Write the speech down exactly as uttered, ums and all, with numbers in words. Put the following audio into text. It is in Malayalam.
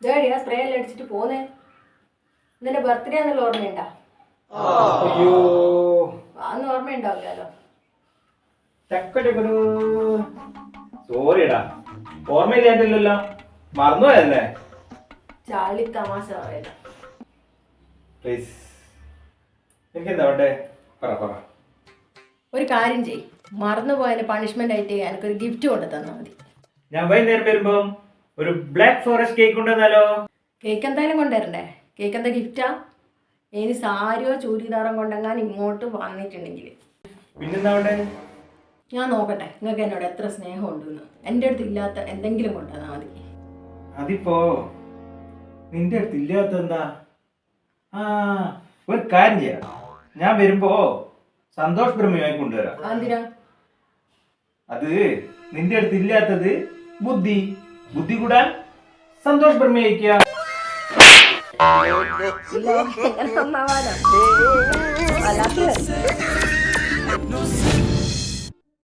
ഇതേടിയാ സ്പ്രേ എല്ലാം അടിച്ചിട്ട് പോന്നേ. നിന്റെ ബർത്ത്ഡേ എന്നുള്ള ഓർമ്മയുണ്ടാ? അയ്യോ അന്ന് ഓർമ്മയുണ്ടാവില്ലല്ലോ. ചക്കടക്കടു സോറിടാ, ഓർമ്മയില്ലായിട്ടില്ലല്ലോ, മറന്നുപോയല്ലേ? ചാളി തമാശ പറയല. പ്ലീസ്, എനിക്കെന്താ വേണ്ടേ? പറ പറ. ഒരു കാര്യം ചെയ്, മറന്നുപോയതിന് പണിഷ്മെന്റ് ആയിട്ട് എനിക്കൊരു ഗിഫ്റ്റ് കൊണ്ടു തന്നാൽ മതി. ഞാൻ വൈകുന്നേരം വരുമ്പോ ഒരു ബ്ലാക്ക് ഫോറസ്റ്റ് കേക്ക് കൊണ്ടുവന്നാലോ? കേക്ക് എന്തായാലും കൊണ്ടുവരണ്ടേ? കേക്ക് എന്താ ഗിഫ്റ്റാ? ഇനി സാരിയോ ചൂരിദാറോ കൊണ്ടെങ്ങാൻ ഇങ്ങോട്ട് വന്നിട്ടുണ്ടെങ്കിൽ പിന്നെന്താ വേണ്ടേ? ഞാൻ നോക്കട്ടെ നിങ്ങൾക്ക് എന്നോട് എത്ര സ്നേഹം ഉണ്ടെന്ന്. എൻ്റെ അടുത്ത് ഇല്ലാത്ത എന്തെങ്കിലും കൊണ്ടുവന്നാൽ മതി. അതിപ്പോ നിന്റെ അടുത്ത് ഇല്ലാത്ത എന്താ? ആ, ഒരു കാര്യം ചെയ്യാം, ഞാൻ വരുമ്പോ സന്തോഷ് ബ്രഹ്മയുമായി കൊണ്ടുവരാം. എന്തിനാ? അത് നിന്റെ അടുത്ത് ഇല്ലാത്തത് ബുദ്ധി, ബുദ്ധി കൂടാൻ സന്തോഷ് ബ്രഹ്മ അയക്കുക. ഇല്ല, എങ്ങനെ നന്നാവാനോ? വല്ലാത്ത